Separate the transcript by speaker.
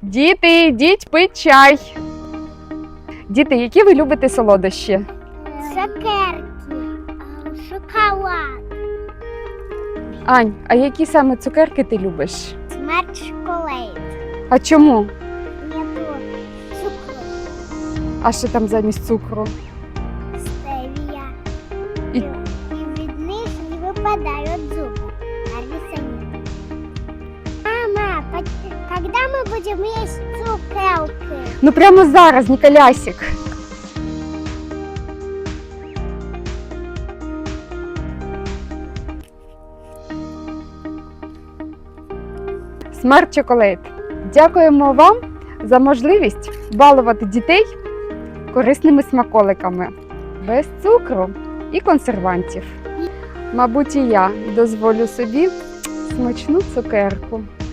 Speaker 1: Діти, йдіть пить чай. Діти, які ви любите солодощі?
Speaker 2: Цукерки, шоколад,
Speaker 1: Ань, а які саме цукерки ти любиш?
Speaker 2: смерть шоколад.
Speaker 1: А чому?
Speaker 2: Нету цукру,
Speaker 1: А що там замість цукру?
Speaker 2: стевия.
Speaker 1: І-
Speaker 2: И від них не выпадают зубы. Алиса нет. Мама, когда мы будем есть цукерки?
Speaker 1: Ну прямо зараз, Ніколясик. Смарт Чоколейт. Дякуємо вам за можливість балувати дітей корисними смаколиками без цукру і консервантів. Мабуть, і я дозволю собі смачну цукерку.